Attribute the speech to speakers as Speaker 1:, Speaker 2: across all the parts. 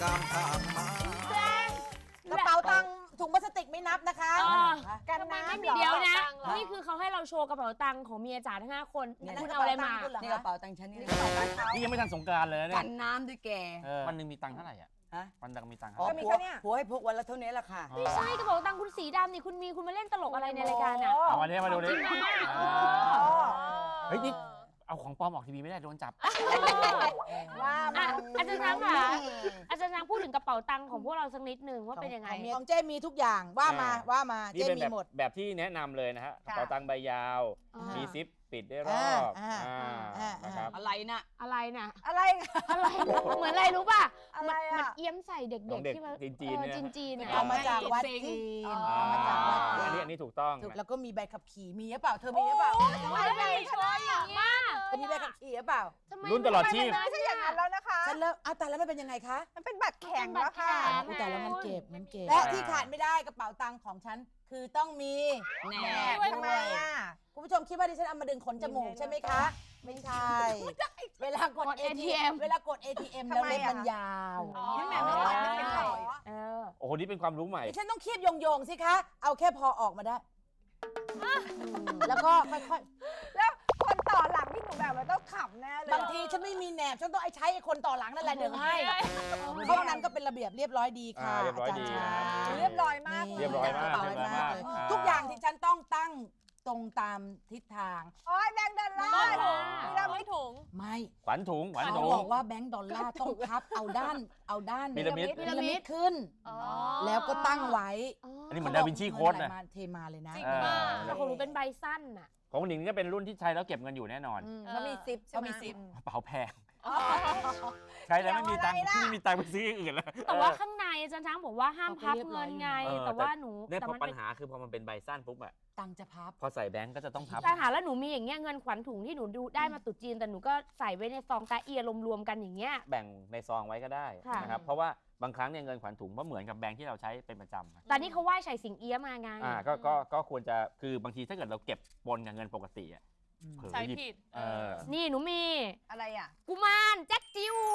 Speaker 1: กระเป๋าตังค์ถุงพลาสติกไม่นับนะคะกันน้ำ
Speaker 2: เดี๋ยวนะนี่คือเขาให้เราโชว์กระเป๋าตังค์ของเมียจ๋าทั้ง5 คนคุณเอาอะไรมา
Speaker 3: นี่กระเป๋าตังค์ฉันนี่
Speaker 4: นี่ยังไม่ทันสงกรานต์เลยเนี่ย
Speaker 3: กันน้ำด้วยแก
Speaker 4: วันหนึ่งมีตังค์เท่าไหร่อ่ะวันหนึ่งมีตังค์
Speaker 3: ผัวให้พกวันละเท่านี้แหละค่ะ
Speaker 2: ไม่ใช่กระเป๋าตังค์คุณสีดำนี่คุณมาเล่นตลกอะไรในรายการอ่ะ
Speaker 4: เอาวันนี้มาดูดิ
Speaker 2: จริงไหม
Speaker 4: เฮ้ยนี่เอาของปลอมออกทีวีไม่ได้โดนจับ
Speaker 1: ว่า
Speaker 2: อาจารย์ช้างค่ะอาจารย์ช้างพูดถึงกระเป๋าตังค์ของพวกเราสักนิดหนึ่งว่าเป็นยังไง
Speaker 1: ของเจ้มีทุกอย่างว่ามาเจ้มีหมด
Speaker 4: แบบที่แนะนำเลยนะฮะกระเป๋าตังค์ใบยาวมีซิปปิดได้รอบนะครับ
Speaker 3: อะไรนะ
Speaker 2: อะไรน่ะ
Speaker 1: อะไร
Speaker 2: เหมือนอะไรรู้ป่ะ
Speaker 1: อะไรอ่ะ
Speaker 2: มันเอี้ยมใส่เด็กๆที่มา
Speaker 4: จีนเนี่ย
Speaker 2: จีน
Speaker 1: เอามาจากวัดจีน
Speaker 4: อันนี้ถูกต้อง
Speaker 1: แล้วก็มีใบขับขี่มีหรือเปล่าเธอมีหรือเปล่า
Speaker 2: ไม่ช่วยอย่างมาก
Speaker 1: เธอมีใบขับขี่หรือเปล่า
Speaker 4: รุ่นตลอดชีพ
Speaker 1: ไม่ใช่อย่างนั้นแล้วนะคะฉันเลิกแต่แล้วมันเป็นยังไงคะมันเป็นบัตรแข็งแล้วค่ะแต่แล้วมันเก็บและที่ขาดไม่ได้กระเป๋าตังค์ของฉันคือต้องมีแหนบทำไมอ่ะคุณผู้ชมคิดว่าดิฉันเอามาดึงขนจมูกใช่ไหมคะไม่ใช่เวลากด ATM แล้วเล็บมันยาวนี่แม่ไม่ตัดไม่เป็นรอย
Speaker 4: โอ้โหนี่เป็นความรู้ใหม่
Speaker 1: ดิฉันต้องคีบโยงสิคะเอาแค่พอออกมาได้แล้วก็ค่อยๆแล้วคนต่อหลังที่หนูแบบมันต้องขำแน่เลยบางทีฉันไม่มีแหนบฉันต้องใช้คนต่อหลังนั่นแหละดึงให้เพราะนั้นก็เป็นระเบียบเรียบร้อยดีค่ะ
Speaker 4: เรียบร้อยดี
Speaker 1: เรียบร้อยมากทุกอย่างที่ฉันต้องตั้งตรงตามทิศทางโอ้ยแบงค์ดอลลาร์ไม่ถุงไม่
Speaker 4: ขวัญถุง
Speaker 1: บอกว่าแบงค์ดอลลาร์ต้องพับเอาด้าน
Speaker 4: พีระมิด
Speaker 1: ขึ้นแล้วก็ตั้งไว้
Speaker 4: อันนี้เหมือนดาวินชีโค้ดนะ
Speaker 1: เทมาเลยนะ
Speaker 2: แต่ของหนูเป็นใบสั้นน่ะ
Speaker 4: ของหนิงนี่ก็เป็นรุ่นที่ใช้แล้วเก็บเงินอยู่แน่นอน
Speaker 1: เขามีซิปใช่ไหม
Speaker 4: กระเป๋าแพงใช้แล้วไม่มีตังค์ที่มีตังค์ไปซื้ออื่นแล้ว
Speaker 2: แต่ว่าข้างในอาจารย์ช้างบอกว่าห้ามพับเงินไงแต่ว่าหนู
Speaker 4: เนี่ยพอปัญหาคือพอมันเป็นใบสั้นปุ๊บอะ
Speaker 1: ตังจะพับ
Speaker 4: พอใส่แบงก์ก็จะต้องพับ
Speaker 2: แต่หาแล้วหนูมีอย่างเงี้ยเงินขวัญถุงที่หนูดูได้มาตุจีนแต่หนูก็ใส่ไว้ในซองตาเอียรวมๆกันอย่างเงี้ย
Speaker 4: แบ่งในซองไว้ก็ได้นะครับเพราะว่าบางครั้งเนี่ยเงินขวัญถุงก็เหมือนกับแบงก์ที่เราใช้เป็นประจำ
Speaker 2: แต่นี่เขาไหว้ไฉสิงเอี้ยมาไง
Speaker 4: ก็ควรจะคือบางทีถ้าเกิดเราเก็บปนกับเงินปกติอะ
Speaker 5: ใช้ผิด
Speaker 2: นี่หนูมี
Speaker 1: อะไรอ่ะ
Speaker 2: กุมารแจ็คจิว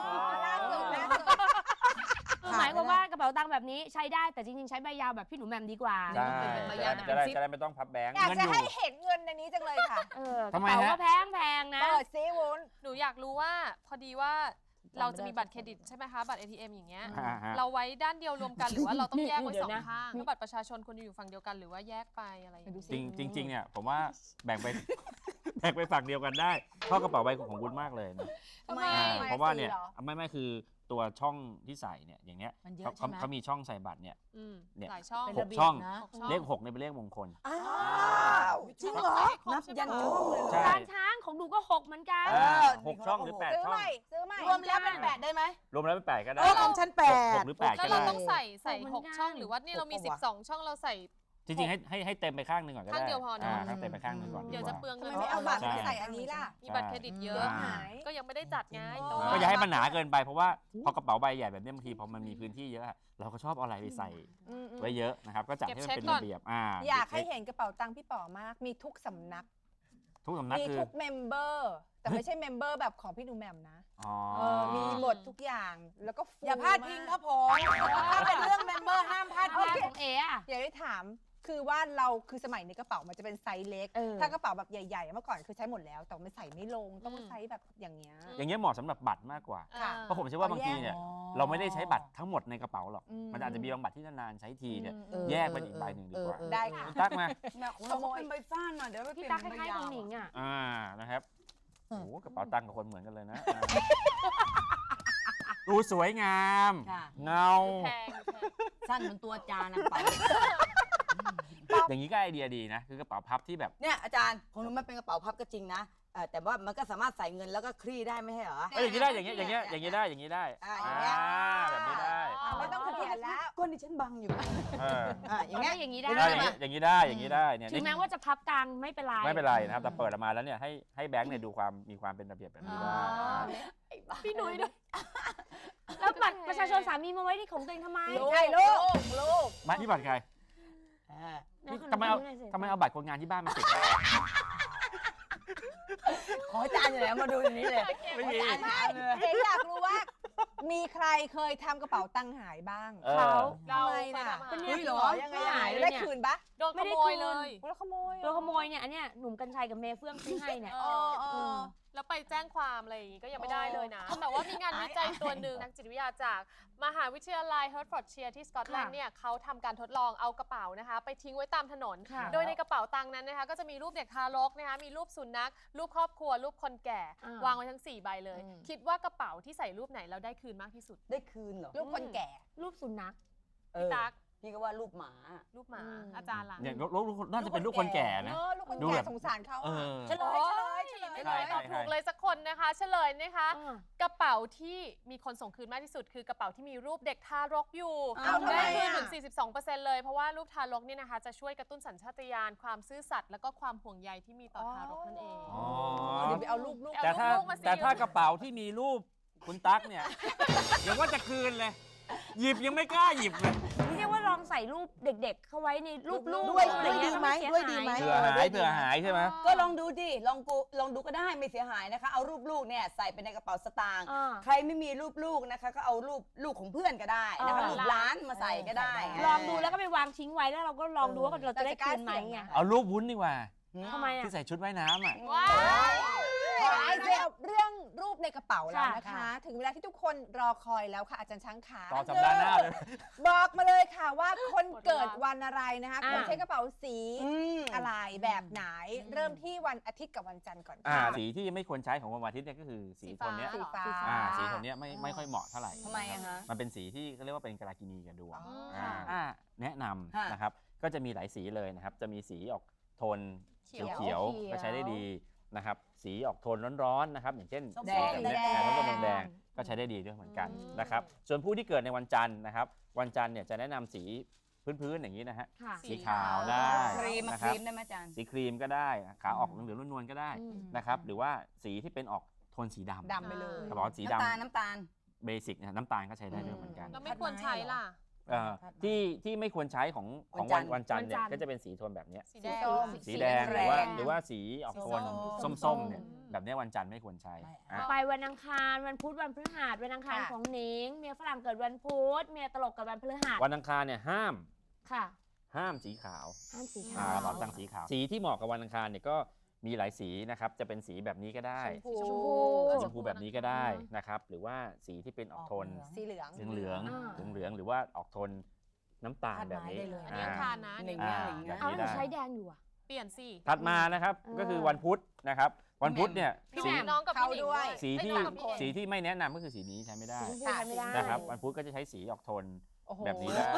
Speaker 2: หมายความว่ากระเป๋าตังค์แบบนี้ใช้ได้แต่จริงๆใช้ใบยาวแบบพี่หนูแหม่มดีกว่า
Speaker 4: จะได้ไม่ต้องพับแบงค์
Speaker 1: อยากจะให้เห็นเงินในนี้จังเลยค่ะ
Speaker 2: กระเป๋าก็แพงนะ
Speaker 1: เปิดซิวุ้น
Speaker 5: หนูอยากรู้ว่าพอดีว่าเราจะมีบัตรเครดิตใช่ไหมคะบัตร ATM อย่างเงี้ยเราไว้ด้านเดียวรวมกันหรือว่าเราต้องแยกไว้2 ข้างแล้วบัตรประชาชนควรอยู่ฝั่งเดียวกันหรือว่าแยกไปอะไรอย่างเงี้ย
Speaker 4: จริงเนี่ยผมว่าแบ่งไปฝั่งเดียวกันได้เพราะกระเป๋าใบของคุณมากเลยนะเพราะว่าเนี่ยไม่คือตัวช่องที่ใส่เนี่ยอย่างเงี้ยเขามีช่องใส่บัตรเนี่ย6 ช่องเลข6เนี่ยเป็นเลขมงคล
Speaker 1: จริงเหรอนับยันช่องเลย
Speaker 2: ร้านช้างของดูก็6เหมือนกัน
Speaker 4: 6 ช่องหรือ8 ช่อง
Speaker 1: ซื้อใหม่รวมแล้วเป็น8ได้ไหม
Speaker 4: รวมแล้วเป็น8ก็ได้
Speaker 1: ของฉัน8
Speaker 4: หรือ8
Speaker 5: แล้วเราต้องใส่6 ช่องหรือว่านี่เรามี12 ช่องเราใส่
Speaker 4: จริงๆให้เต็มไปข้างหนึ่งก่อนก็ได้
Speaker 5: ข้างเดียวพอนะ
Speaker 4: ข้างเต็มไปข้างหนึ่งก่อน
Speaker 5: เดี๋ยวจะเปลืองเงิน
Speaker 1: ไม่เอาบัตรใส่อันนี้ล่ะ
Speaker 5: มีบัตรเครดิตเยอะก็ยังไม่ได้จัดไง
Speaker 4: ก็อย่าให้มันหนาเกินไปเพราะว่าพอกระเป๋าใบใหญ่แบบนี้บางทีพอมันมีพื้นที่เยอะเราก็ชอบเอาอะไรไปใส่ไว้เยอะนะครับก็จัดให้มันเป็นระเบียบ
Speaker 1: อยากให้เห็นกระเป๋าตังค์พี่ป๋อมากมีทุกสำนักมีทุกเมมเบอร์แต่ไม่ใช่เมมเบอร์แบบของพี่หนูแหม่มนะมีหมดทุกอย่างแล้วก็อย่าพลาดพิงครับผมถ้าเป็นเรื่องเมมเบอร์ห้ามพลาดพิง
Speaker 2: ของ
Speaker 1: อย่าได้ถามคือว่าเราคือสมัยในกระเป๋ามันจะเป็นไซส์เล็กถ้ากระเป๋าแบบใหญ่ๆเมื่อก่อนคือใช้หมดแล้วแต่มันใส่ไม่ลงต้องไซส์แบบอย่างเงี้ย
Speaker 4: เหมาะสำหรับบัตรมากกว่าเพราะผมเชื่อว่าบางทีเนี่ยเราไม่ได้ใช้บัตรทั้งหมดในกระเป๋าหรอกมันอาจจะมีบางบัตรที่นานๆใช้ทีเนี่ยแยกเป็นอีกใบหนึ่งดีกว่า
Speaker 1: ได้ค่ะ
Speaker 4: ตักมา
Speaker 1: ขโมยเป็นใบซ่านเดี๋ยวไปเปลี่ยน
Speaker 2: เป็นใบยาวของหนิง
Speaker 4: นะครับโอ้กระเป๋าตังค์กับคนเหมือนกันเลยนะดูสวยงามเงา
Speaker 3: สั้นเหมือนตัวจานไป
Speaker 4: อย่างนี้ก็ไอเดียดีนะคือกระเป๋าพับที่แบบ
Speaker 3: เนี่ยอาจารย์ของหนูมันเป็นกระเป๋าพับก็จริงนะแต่ว่ามันก็สามารถใส่เงินแล้วก็คลี่ได้ไม่ใช่เหรอ
Speaker 4: อย่างนี้ได้อย่างนี้ได้แบบนี้ได้
Speaker 1: ไม่ต้องเขียนแล้ว
Speaker 3: ก้นดิฉันบังอยู่
Speaker 2: อย่างนี้ได้
Speaker 4: อย่างนี้ได้เนี่ย
Speaker 2: ถึงแม้ว่าจะพับกลางไม่เป็น
Speaker 4: ไรนะครับแต่เปิดออกมาแล้วเนี่ยให้แบงค์เนี่ยดูความมีความเป็นระเบียบแบบนี้ได้
Speaker 2: พี่หนุ่ยด้วยแล้วบัตรประชาชนสามีมาไว้ที่ของตัวเองทำไม
Speaker 1: ใช่ลูก
Speaker 4: ไม่ที่บัตรใครทำไมเอาบัตรคนงานที่บ้านมาติด
Speaker 3: ขออาจารย์อยู่แล้วมาดูอย่างนี้เลย
Speaker 4: ไม่มี
Speaker 1: อยากรู้ว่า
Speaker 6: มีใครเคยทำกระเป๋าตังค์หายบ้าง
Speaker 2: เขา
Speaker 5: เรา
Speaker 6: ทำไมน่ะ
Speaker 5: เคยทำ
Speaker 2: ก็
Speaker 5: หา
Speaker 2: เนี่ย
Speaker 5: ย
Speaker 6: เหรอยังไง
Speaker 2: ไม่หายเลย
Speaker 6: ได้
Speaker 2: เนี่ย
Speaker 6: คืนปะ
Speaker 5: โดนขโมยเลย
Speaker 6: แล้วขโมยเหรอ
Speaker 2: ตัวขโมยเนี่ยอันเนี้ยหนุ่มกัญชัยกับเมย์เฟื่องซื้อให้เนี่ย
Speaker 5: เออ แล้วไปแจ้งความอะไรอย่างงี้ก็ยังไม่ได้เลยนะ แต่ว่ามีงานวิจัยตัวหนึ่งนักจิตวิทยาจากมหาวิทยาลัยเฮิร์ตฟอร์ดเชียร์ที่สกอตแลนด์เนี่ยเขาทำการทดลองเอากระเป๋านะคะไปทิ้งไว้ตามถนน
Speaker 2: ค่ะ
Speaker 5: โดยในกระเป๋าตังค์นั้นนะคะก็จะมีรูปเด็กทารกนะคะมีรูปสุนัขรูปครอบครัว รูปคนแก่ วางไว้ทั้ง 4 ใบเลย คิดว่ากระเป๋าที่ใส่รูปไหนแล้วได้คืนมากที่สุด
Speaker 3: ได้คืนเหรอ
Speaker 6: ลูกคนแก่
Speaker 2: รูปสุนัข
Speaker 5: พี่ตั๊ก
Speaker 3: พี่ก็ว่ารูปหมา
Speaker 5: รูปหมา
Speaker 2: อืม
Speaker 5: อาจารย์ล่ะ
Speaker 4: เนี่ยน่าจะเป็นลูกคนแก่นะ
Speaker 6: ลูกคน
Speaker 4: ดู
Speaker 6: แก่
Speaker 4: แบบ
Speaker 6: สงสารเขา
Speaker 4: เอ
Speaker 6: อะ
Speaker 4: อ
Speaker 1: เฉลย
Speaker 5: ไม่เลยตอบถูกเลยสักคนนะคะ เฉลยนะคะ กระเป๋าที่มีคนส่งคืนมากที่สุด คือกระเป๋าที่มีรูปเด็กทารกอยู่
Speaker 6: อ้าวทำไม
Speaker 5: ได้คืน
Speaker 6: อะ
Speaker 5: ถึง 42%เลย เพราะว่ารูปทารกเนี่ยนะคะจะช่วยกระตุ้นสัญชาตญาณความซื่อสัตย์แล้วก็ความห่วงใยที่มีต่อทารกนั่นเอง
Speaker 4: อ๋อ
Speaker 6: เดี๋ยวไปเอาลูก
Speaker 4: แต่ถ้า
Speaker 5: ลูกมาสิ
Speaker 4: แต่ถ้ากระเป๋าที่มีรูปคุณตั๊กเนี่ย เดี๋ยวว่าจะคืนเลย หยิบยังไม่กล้าหยิบเลย
Speaker 2: เรียกว่าลองใส่รูปเด็กๆ เข้าไว้ในรูปลูก
Speaker 1: ด้วย
Speaker 2: อะไรเงี้
Speaker 1: ดีไหม
Speaker 2: ก็
Speaker 1: ด้วย
Speaker 2: เสี
Speaker 1: ดี
Speaker 2: หา
Speaker 1: ไหม
Speaker 4: เผื่อหายใช่ไหม
Speaker 3: ก็ลองดูดิลองดูก็ได้ไม่เสียหายนะคะ เอารูปลูกเนี่ยใส่ไปในกระเป๋าสตางค์
Speaker 2: อ่า
Speaker 3: ใครไม่มีรูปลูกนะคะ ก็เอารูปลูกของเพื่อนก็ได้นะคะ
Speaker 2: อ่า
Speaker 3: รูปร้านมาใส่ก็ได้
Speaker 2: ลองดูแล้วก็ไปวางทิ้งไว้แล้วเราก็ลองดูว่าเราจะได้คืนไหมไง
Speaker 4: เอารูปวุ้นดีกว่า
Speaker 2: ทำไมอ่ะ
Speaker 4: ที่ใส่ชุดว่ายน้ำอ่ะ
Speaker 5: ว้าย
Speaker 6: หายเกี่ยวกับเรื่องรูปในกระเป๋าแล้วนะคะ
Speaker 1: ค่ะ
Speaker 6: ถึงเวลาที่ทุกคนรอคอยแล้วค่ะอาจารย์ช้างขา
Speaker 4: ต่อสัปดาห์หน้าเลย
Speaker 6: บอกมาเลยค่ะว่าคนเกิดวันอะไรนะคะคนใช้กระเป๋าสี
Speaker 3: ม
Speaker 6: อะไรแบบไหน เริ่มที่วันอาทิตย์กับวันจันทร์ก่อน
Speaker 4: อ่า
Speaker 6: ค่ะ
Speaker 4: สีที่ไม่ควรใช้ของวันอาทิตย์เนี่ยก็คือสีโทนเนี้ย
Speaker 6: สีฟ้า
Speaker 4: สีโทนเนี้ยไม่ค่อยเหมาะเท่าไหร่
Speaker 3: ทำไมอะฮะ
Speaker 4: มันเป็นสีที่เขาเรียกว่าเป็นกาลากินีกับดวง
Speaker 6: อ๋อ
Speaker 4: แนะนำ
Speaker 3: ค่ะ
Speaker 4: นะครับ ก็จะมีหลายสีเลยนะครับ จะมีสีออกโทน
Speaker 5: เขียว
Speaker 4: เขียวๆก็ใช้ได้ดีนะครับ สีออกโทนร้อนๆนะครับ อย่างเแดง
Speaker 3: แดง
Speaker 4: ส้มแดงก็ใช้ได้ดีด้วยเหมือนกันนะครับ ส่วนผู้ที่เกิดในวันจันทร์นะครับ วันจันทร์เนี่ยจะแนะนำสีพื้นๆอย่างนี้นะฮะ
Speaker 2: ค่ะ
Speaker 4: สีขาวได้
Speaker 3: ครีมมา
Speaker 4: นะ
Speaker 3: ค
Speaker 4: ครั
Speaker 3: รี
Speaker 4: บ
Speaker 3: มได้ไหมอาจารย์
Speaker 4: สีครีมก็ได้ขาออกเหลืองๆนวลๆก็ได้
Speaker 2: อืม
Speaker 4: นะครับ หรือว่าสีที่เป็นออกโทนสีดำ
Speaker 6: ดำไปเลย
Speaker 4: กระบอกสีด
Speaker 3: น้ำตาล
Speaker 4: ำเบสิกนะน้ำตาลก็ใช้ได้ด้วยเหมือนกัน
Speaker 5: เราไม่ควรใช้ล่ะ
Speaker 4: ที่ไม่ควรใช้ของ
Speaker 3: วัน
Speaker 4: วันจันทร์เนี่ย
Speaker 2: วันจันทร์
Speaker 4: ก็จะเป็นสีโทนแบบเนี้ย
Speaker 5: สีแดง
Speaker 4: สีแดง
Speaker 3: แรง
Speaker 4: หรือว่าสีออกโทน
Speaker 1: ส้ม
Speaker 4: ส้มๆเนี่ยแบบเนี้ยวันจันทร์ไม่ควรใช้
Speaker 1: ไม่
Speaker 4: อ่ะ
Speaker 2: ไปวันอังคารวันพุธวันพฤหัสวันอังคาร
Speaker 6: ค่ะ
Speaker 2: ของหนิงเมียฝรั่งเกิดวันพุธเมียตลกเกิดวันพฤหัส
Speaker 4: วันอังคารเนี่ยห้าม
Speaker 2: ค่ะ
Speaker 4: สีขาว
Speaker 2: ห้ามสี
Speaker 4: ก
Speaker 2: ขาว
Speaker 4: ระเป๋าตังค์สีขาว สีที่เหมาะกับวันอังคารเนี่ยก็มีหลายสีนะครับจะเป็นสีแบบนี้ก็ได้
Speaker 6: ชมพู
Speaker 4: สีชมพูแบบนี้ก็ได้นะครับหรือว่าสีที่เป็นออกโทน
Speaker 6: สีเหลือง
Speaker 4: เหลือง
Speaker 2: อ่า
Speaker 4: เหลืองหรือว่าออกโทนน้ำตาลแบบนี้
Speaker 1: คาดไม้ได้เลย
Speaker 5: อันนี้อังคารนะ
Speaker 3: หนึ่ง
Speaker 4: อ่า
Speaker 3: หนึ่ง
Speaker 2: เอา
Speaker 3: นะ
Speaker 2: แล้วหนูใช้แดงอยู่อ่ะ
Speaker 5: เปลี่ยนสิ
Speaker 4: ถัดมานะครับก็คือวันพุธนะครับวันพุธเนี่ย
Speaker 5: พี่
Speaker 4: สี
Speaker 5: แหม่มน้องกับพี่หนิง
Speaker 6: เขาด้วย
Speaker 4: สีที่
Speaker 5: เอ้ยน้องกับพี่เอก
Speaker 4: สีที่ไม่แนะนำก็คือสีนี้ใช้ไม่ได้
Speaker 2: สีชมพูใช้ไม่ได้
Speaker 4: นะครับวันพุธก็จะใช้สีออกโทน
Speaker 6: โอ้โห
Speaker 4: แบบนี้ได้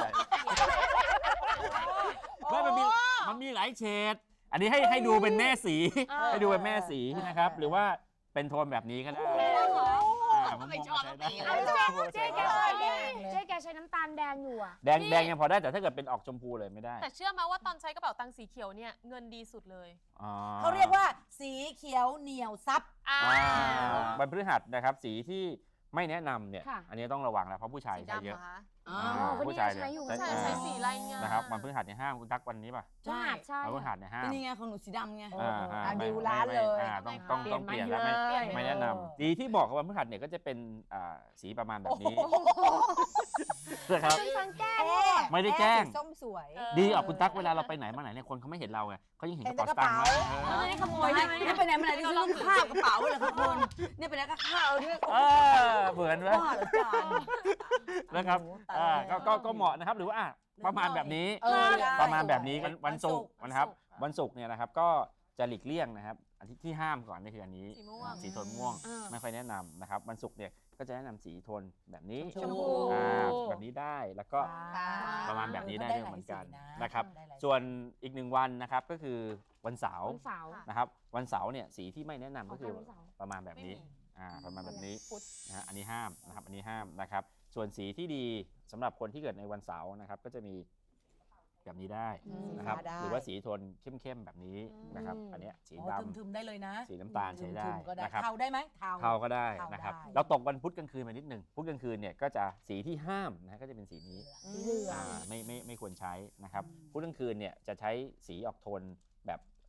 Speaker 4: ก็มันมีหลายเฉดอันนี้ให้ดูเป็นแม่สี ให้ดูเป็นแม่สีนะครับ หรือว่าเป็นโทนแบบนี้ก็ได้ผมมองว่าใช้ได้
Speaker 2: เจ๊แกใช้แดงเจ๊แกใช้น้ำตาลแดงอยู่อ่ะ
Speaker 4: แดงยังพอได้แต่ถ้าเกิดเป็นออกชมพูเลยไม่ได้
Speaker 5: แต่เชื่อไหมว่าตอนใช้กระเป๋าตังค์สีเขียวเนี่ยเงินดีสุดเลย
Speaker 4: อ๋อ
Speaker 1: เขาเรียกว่าสีเขียวเหนียวซับ
Speaker 4: วันพฤหัสนะครับสีที่ไม่แนะนำเนี่ย
Speaker 2: ค่ะ
Speaker 4: อันนี้ต้องระวังแล้วเพราะผู้ชาย
Speaker 5: สี
Speaker 4: ใช้
Speaker 5: ดำ
Speaker 4: เย
Speaker 5: เหร
Speaker 4: อะ
Speaker 5: อคะ
Speaker 3: อ๋อ
Speaker 2: คนนี้
Speaker 4: ผู้ชาย
Speaker 2: ใช้อยู่
Speaker 5: ใช่ใช้สีอะไรเงี้ย
Speaker 4: นะครับวันพฤหัสเนี่ยห้ามคุณตักวันนี้ป่ะ
Speaker 2: พฤหัสใช่
Speaker 4: วันพฤหัสเนี่ยห้าม
Speaker 3: นี่ไงของหนูสีดำไง
Speaker 4: ไม่
Speaker 6: ดิวร้านเลย
Speaker 4: ต้องเปลี่ยนแล้วไม่แนะนำสีที่บอกกับวันพฤหัสเนี่ยก็จะเป็นสีประมาณแบบนี้นะครับ
Speaker 2: สังแก้
Speaker 4: ไม่ได้แกล้ง
Speaker 6: สีส้มสวย
Speaker 4: ดีออกคุณตั๊กเวลาเราไปไหนมาไหนเนี่ยคนเขาไม่เห็นเราไงเขายังเห็นกระเป๋าสตางค์
Speaker 2: ไม่ได้ขโมยใช่ไหม
Speaker 3: นี่ไปไหนมาไหนที่ซื้อข้าวกระเป๋าเลยครับคุณนี่ไปไหนก็ข้าวด้วย
Speaker 4: เหมือนไหม
Speaker 3: บ้าเหรอจาน
Speaker 4: นะครับ
Speaker 3: โอ้โหตายแล้ว
Speaker 4: ก็เหมาะนะครับหรือว่าประมาณแบบนี้
Speaker 3: ได้
Speaker 4: ประมาณแบบนี้
Speaker 3: สวย
Speaker 4: วันศุกร์นะครับวันศุกร์เนี่ยนะครับก็จะหลีกเลี่ยงนะครับอันที่ห้ามก่อนนี่คืออันนี้
Speaker 5: สีม่วง
Speaker 4: สีโทนม่วง
Speaker 2: อ่า
Speaker 4: ไม่ค่อยแนะนำนะครับวันศุกร์เนี่ยก็จะแนะนำสีโทนแบบนี้
Speaker 1: ชมพู
Speaker 4: แบบนี้ได้แล้วก็ ประมาณแบบนี้ได้ด้วยเหมือนกันนะครับ
Speaker 1: ได้หลายสี
Speaker 4: ส่วนอีกหนึ่งวันนะครับก็คือวันเสาร์
Speaker 2: วันเสาร์
Speaker 4: นะครับวันเสาร์เนี่ยสีที่ไม่แนะนำก็คือ
Speaker 2: วันเสาร์
Speaker 4: ประมาณแบบนี้
Speaker 5: ไม่มี
Speaker 4: ประมาณแบบนี้นะฮะอันนี้ห้ามนะครับอันนี้ห้ามนะครับส่วนสีที่ดีสำหรับคนที่เกิดในวันเสาร์นะครับก็จะมีแบบนี้ได้นะครับ
Speaker 1: ได้
Speaker 4: หรือว่าสีโทนเข้มๆแบบนี้นะครับอันเนี้ยสีดำ
Speaker 1: ทึมๆได้เลยนะ
Speaker 4: สีน้ำตาลใช้ได้
Speaker 1: ทึมๆก็ได้
Speaker 4: นะครับ
Speaker 1: เทาได้ไหมเทา
Speaker 4: เทาก็ได้
Speaker 1: เทา
Speaker 4: นะครับ
Speaker 1: ได้
Speaker 4: เราตกวันพุธกลางคืนมานิดหนึ่งพุธกลางคืนเนี่ยก็จะสีที่ห้ามนะก็จะเป็นสีนี้
Speaker 1: สีเหลือง
Speaker 4: ไม่ควรใช้นะครับพุธกลางคืนเนี่ยจะใช้สีออกโทนแบบ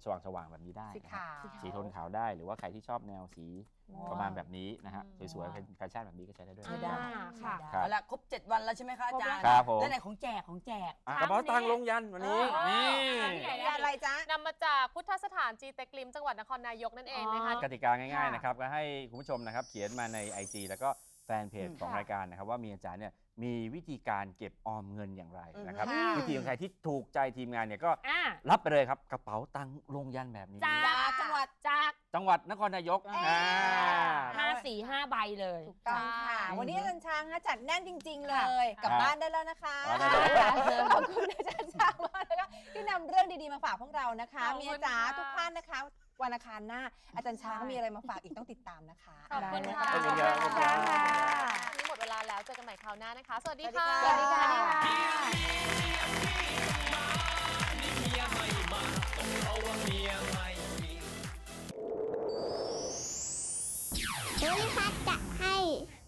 Speaker 4: สว่างๆแบบนี้ได้
Speaker 6: สี
Speaker 4: นะครับ
Speaker 6: ขาว
Speaker 4: สีโทนขาวได้หรือว่าใครที่ชอบแนวสีประมาณแบบนี้นะฮะสวยๆเป็นแฟชั่นแบบนี้ก็ใช้ได้ด้วย
Speaker 1: ใช้ได้
Speaker 2: ค่ะ
Speaker 4: ครับ
Speaker 3: เอาละครบ 7 วันแล้วใช่ไหมคะอาจารย์
Speaker 4: ครับผม
Speaker 3: แล้วไหนของแจก
Speaker 4: อ่ะกระเป๋าตังค์ลงยันวันนี้
Speaker 5: อ๋อ
Speaker 4: นี่
Speaker 6: มีอะไรจ๊ะ
Speaker 5: นำมาจากพุทธสถานจีเต็กลิมจังหวัดนครนายกนั่นเองนะคะ
Speaker 4: กติกาง่ายๆนะครับก็ให้คุณผู้ชมนะครับเขียนมาใน IG แล้วก็แฟนเพจของรายการนะครับว่ามีอาจารย์เนี่ยมีวิธีการเก็บออมเงินอย่างไรนะครับ
Speaker 6: ค่ะ
Speaker 4: วิธีของใครที่ถูกใจทีมงานเนี่ยก็
Speaker 2: อ่า
Speaker 4: รับไปเลยครับกระเป๋าตังค์ลงยันแบบนี้
Speaker 2: จากจังหวัดจาก
Speaker 4: จังหวัดนครนายก
Speaker 2: 5 ใบเลย
Speaker 6: ถูกต้องค่ะ
Speaker 4: อืม
Speaker 6: วันนี้อาจารย์ช้างจัดแน่นจริง ๆ เล
Speaker 2: ค่ะ
Speaker 6: ย กลับบ้านได้แล้วนะคะ
Speaker 4: ได้เลย
Speaker 6: ขอบคุณอาจารย์ช้างมากนะคะที่นำเรื่องดีๆมาฝากพวกเรานะคะ
Speaker 5: ขอบคุณ
Speaker 6: เมียจ๋า
Speaker 5: ค่ะ
Speaker 6: ทุกท่านนะคะ วันอังคารหน้า อาจารย์ช้างมีอะไรมาฝากอีกต้องติดตามนะคะ
Speaker 5: ขอบคุณค่ะ
Speaker 4: ขอบคุณครับ
Speaker 5: ขอบคุณค่ะวันนี้หมดเวลาแล้วเจอกันใหม่คราวหน้านะคะ สวัสดีค่ะ
Speaker 6: สวัสดีค่ะ
Speaker 7: ภูริพัฒน์จะให้